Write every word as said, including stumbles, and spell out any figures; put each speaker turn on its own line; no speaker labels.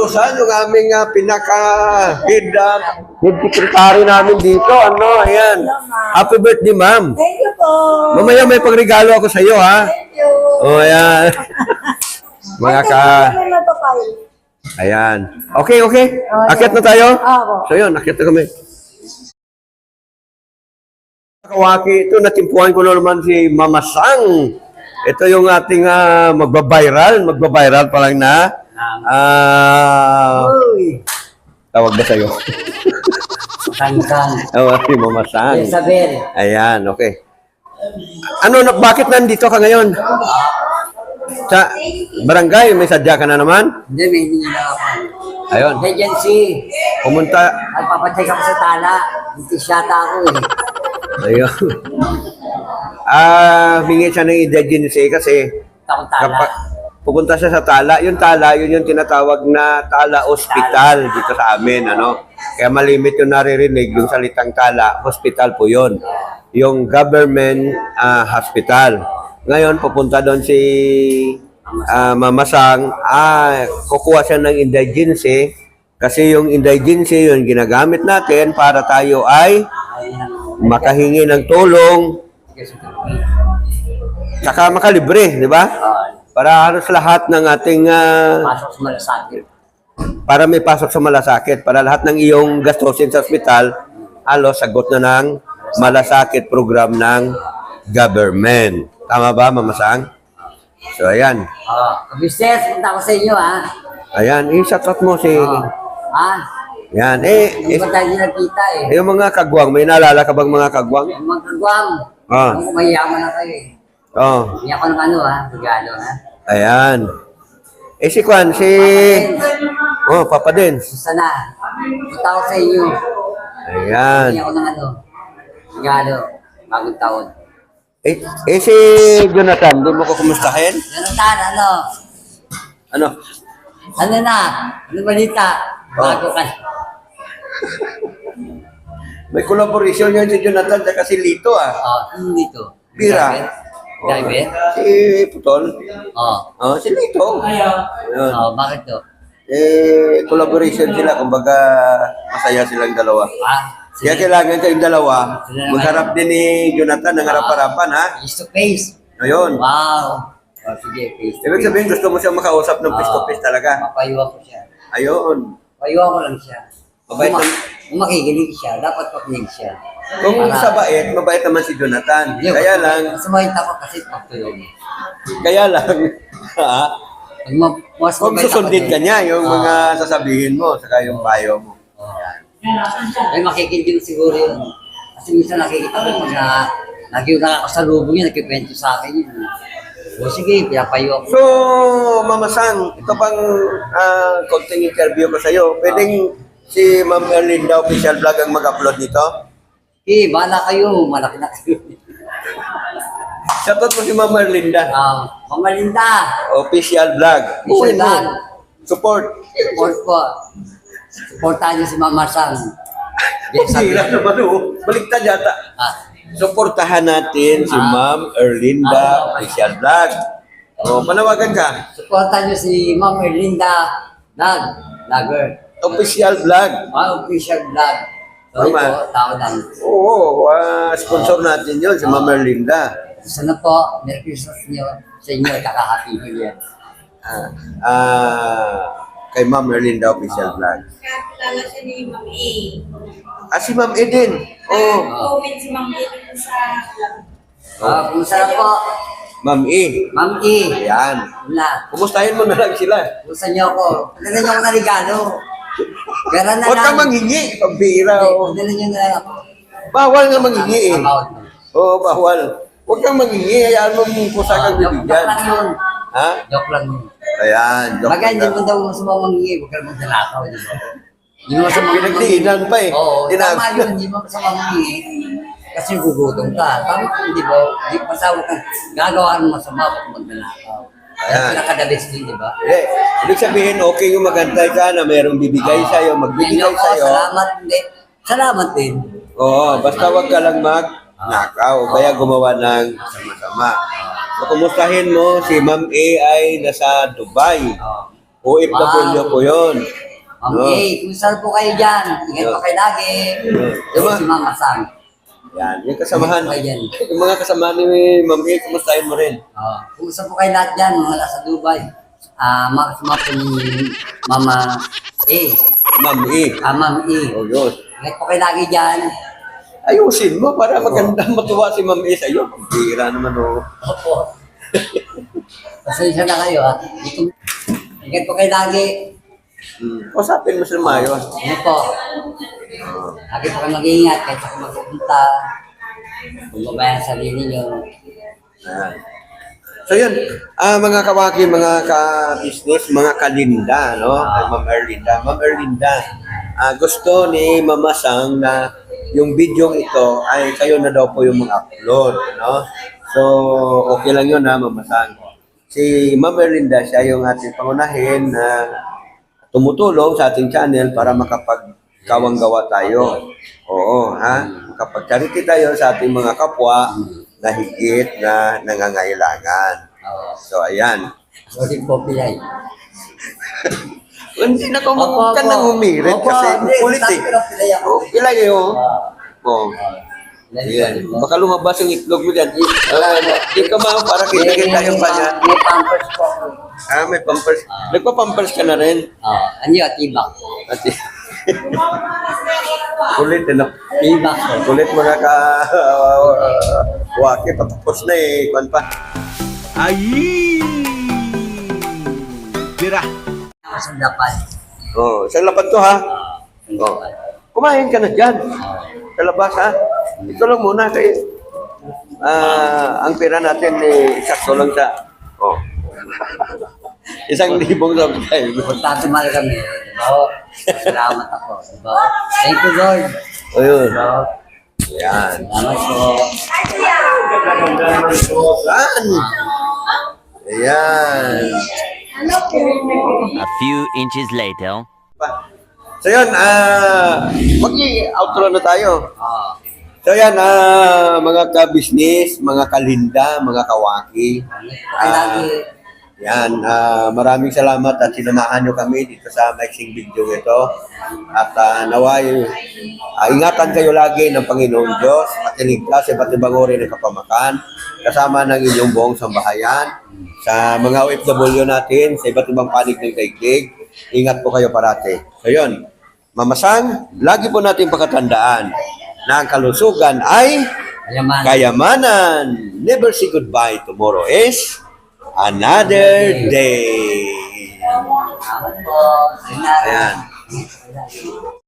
Rosan, yung aming uh, pinaka-head uh, head secretary namin dito. Ano, ayan. Happy birthday, ma'am.
Thank you po.
Mamaya may pagregalo ako sa iyo, ha?
Thank you.
O, ayan. Mga ka...
Ano na papay?
Ayan. Okay, okay. Akit na tayo?
Ako.
So, yun, akit na kami. Kawaki, ito, natimpuhan ko na naman si Mama Sang. Ito yung ating uh, magbabiral. Magbabiral pa lang na. Ah...
Uy.
Tawag na sa'yo.
Sang-sang.
Oo, si Mama Sang.
Isabel.
Ayan, okay. Ano, na, bakit nandito ka ngayon? Sa barangay, may sadya ka na naman?
Hindi, may hindi na ako.
Ayun.
Agency.
Pumunta.
Nagpapatay ako sa tala. Hindi siyata ako eh.
Ayun. Ah, hingi siya ng indigency kasi
Takong tala.
kapag pupunta siya sa tala, yung tala, yun yung tinatawag na tala hospital dito sa amin, ano? Kaya malimit yung naririnig, yung salitang tala, hospital po yun. Yung government ah, hospital. Ngayon, pupunta doon si ah, Mama Sang, ah, kukuha siya ng indigency kasi yung indigency, yung ginagamit natin para tayo ay makahingi ng tulong saka makalibre, di ba? Para halos lahat ng ating uh,
Pasok sa malasakit.
para may pasok sa malasakit, para lahat ng iyong gastusin sa ospital, halos sagot na ng malasakit program ng government. Tama ba, Mama Sang? So, ayan.
Oh, business, punta ko sa inyo ha.
Ayan, i-shoutout mo si...
Oh. Ha?
Yan, eh,
Hindi
eh,
ba tayo nakita eh?
yung mga kagwang, may naalala ka bang mga kagwang?
Yung mga kagwang.
Ah.
Kung mayaman na kayo eh.
Oh,
Hindi ako ng ano ha, regalo ha.
ayan. Eh, si Kwan, si... Oh, Papa din.
Gusto na. Punta ko sa inyo.
Ayan.
Hindi ako ng ano, regalo. Bagong taon.
Eh, eh si Jonathan, doon mo ko kumustahin?
Jonathan, ano?
Ano?
Ano na? Ano balita? Bago ka.
May collaboration yun si Jonathan at si Lito, ah.
Oh, ano dito?
Bira.
Driver?
Si Putol.
Oh.
Oh, si Lito. Ayun.
Oh, bakit to?
Eh, collaboration sila, kumbaga masaya silang dalawa.
Ah,
Kaya kailangan kayong dalawa, magharap din ni Jonathan ng harap-harapan, ha?
face to face.
Ayun.
Wow. Oh, sige, face to
Ibig
face.
sabihin, gusto mo siyang makausap ng face to face talaga.
Mapayuwa ko siya.
Ayun.
Payuwa ko lang siya.
Mabait
Kung, ma-
naman.
kung makikinig siya, dapat makinig siya.
Kung
Para-
sa bait, mabait naman si Jonathan.
Hindi,
Kaya lang,
Sumahit ako kasi pagtulong.
kaya lang, ha?
Pag ma- mas
Kung
mabait ako
susundin
din.
ka niya, yung
Ah.
mga sasabihin mo, saka yung payo mo.
Ay, makikinig siguro yun. Kasi minsan nakikita ko pag na, lagi yung nakakasalubong yun, nagkikwento sa akin yun. O sige, pinapayo ako.
So, Mama Sang, ito pang uh, konting interview ko sa'yo. Pwedeng si Ma'am Erlinda Official Vlog ang mag-upload nito?
Eh, bahala kayo, malaki na kayo.
Shoutout mo si Ma'am Erlinda.
Ah, Mamalinda,
Official Vlog.
Official
Uy, mo.
Vlog.
Support.
support po. Supportahan niyo si Mama Sang. Yes, sabi.
Sira naman o. Baliktad yata.
Ah,
Suportahan natin si
Ah.
Ma'am Erlinda Official Vlog. O, panawagan ka.
supportahan niyo si Ma'am Erlinda Nag, Nagger.
Official Vlog.
Ah, official vlog. Sorry
Tama.
po, tao lang.
Oo, ah, sponsor natin yun, si Ma'am Erlinda.
Sana po, Merry Christmas niyo sa inyo, kaka-happy New Year.
Ah, ah, kay Ma'am Erlinda Official Vlog.
Kakilala siya ni Ma'am A.
Ah, si Ma'am Eden. Oh,
Comment si Ma'am A dun sa
Ah, kumusta na po?
Ma'am E.
Ma'am E.
Yan.
Wala.
Kumustahin mo na lang sila.
Kumusta niyo ako? Dala niyo ako na regalo. Pera na
Huwag
lang.
kang manghingi. Pambira. Oh.
Dala niyo na lang ako.
Bawal nga manghingi eh.
About mo.
Oo, bawal. Huwag kang manghingi. Hayaan mo mong pusa kang
Ah, joke, joke
bibigyan.
lang yun.
Ha?
Joke lang yun.
Ayan. joke
Baga, hindi
lang.
mo daw sa mga mangingi, huwag ka naman dalakaw, di ba? Hindi mo sa mga
Pinagdiinan pa eh.
Oo,
Tinag-
tama yun, hindi mo sa mga mangingi. Kasi gugutom ka. Tama ko, di ba? Hindi pasawa ka. Gagawa mo masama pag magdalakaw. Kaya
Ayan.
pinakadabis din, di ba?
Eh, ibig sabihin, okay yung magantay ka na mayroong bibigay
Oo.
sa'yo, magbibigay
Yan, oo,
sa'yo.
Salamat din. Salamat din.
Oo, basta wag ka lang mag-nakaw, kaya gumawa ng masama-sama. So, kumustahin mo, si Ma'am A ay nasa Dubai.
Oo.
O F W po yun.
Ma'am
No.
A, kumusta po kayo dyan? Ingat po kayo lagi.
Diba?
Ito si Mama Sam.
Yan, yung kasamahan.
Ingat po kayo dyan.
Yung mga kasamahan ni Ma'am A, kumustahin mo rin.
Oh, kumusta po kayo lahat dyan, mga nasa Dubai? Ah, mga kasama po ni Mama A.
Ma'am A.
Ah, Ma'am A.
O yun.
Ingat po kayo lagi dyan.
Ayusin mo para maganda matuwa si Ma'am A sa'yo. Bira naman o.
Opo. Pasensya na kayo ha. Ito, ingat po kayo lagi.
Hmm. Usapin mo sila maayos.
Ano po? Lagi po kayo mag-iingat kahit ako magpupunta. Kung babayan sa sarili nyo.
Yan. So yun, ah, mga kawaki, mga ka-business, mga kalinda, no? Ay, Ma'am Erlinda. Ma'am Erlinda, ah, gusto ni Mama Sang na yung video ito ay kayo na daw po yung mag-upload, no? So, okay lang yun ha, Mama Sang. Si Ma'am Erlinda, siya yung ating pangunahin na tumutulong sa ating channel para makapagkawang-gawa tayo. Oo, ha? Makapag-charity tayo sa ating mga kapwa na higit na nangangailangan.
Oo.
So, ayan.
Sorry po, Pilay.
Hindi na ko
Opo,
ka
opo.
nang umirit
Opo,
kasi
hindi,
kulit eh.
sabi ko lang, Pilay ako.
Oh, ilay oh. Oh.
Pilay
Ayan.
po.
Baka lumabas yung itlog mo dyan. Uh, di ka ma para kita-kita yung kanya.
May pampers po ako.
Ah, may pampers. Nagpa-pampers ka na rin.
Oo. Ano yun? Tibak.
Ati. Kulit eh, no?
Tibak po.
Kulit mga ka... Uh, waki, patapos na eh. Kuan pa.
Ay! Tira!
Ako sa dapat.
Oh, sa lapad to ha. Oh. Kumain ka na dyan. Sa labas ha. Ito lang muna kay ah ang pera natin eh, sakto lang sa oh. Isang libong subscribe.
Importante mahal kami. Diba? Salamat ako. Diba? Thank you, Lord.
O yun.
Diba?
Yan.
Salamat po.
Saan? Ayan.
A few inches later.
So yun, ah, mag-outro na tayo.
Oo.
So yan, ah, mga ka-business, mga kalinda, mga kawaki.
Ingat po kayo lagi.
Yan, ah, maraming salamat at sinamahan nyo kami dito sa mixing video ito. At ah, naway, ah, ingatan kayo lagi ng Panginoong Diyos at iligtas sa iba't ibang uri ng kapamakan kasama ng inyong buong sambahayan. Sa mga O F W natin, sa iba't ibang panig ng daigdig, ingat po kayo parati. So yun, Mamasang, lagi po natin pakatandaan na ang kalusugan ay
Ayaman.
kayamanan. Never say goodbye. Tomorrow is another day.
Salamat po. Salamat.
Ayan.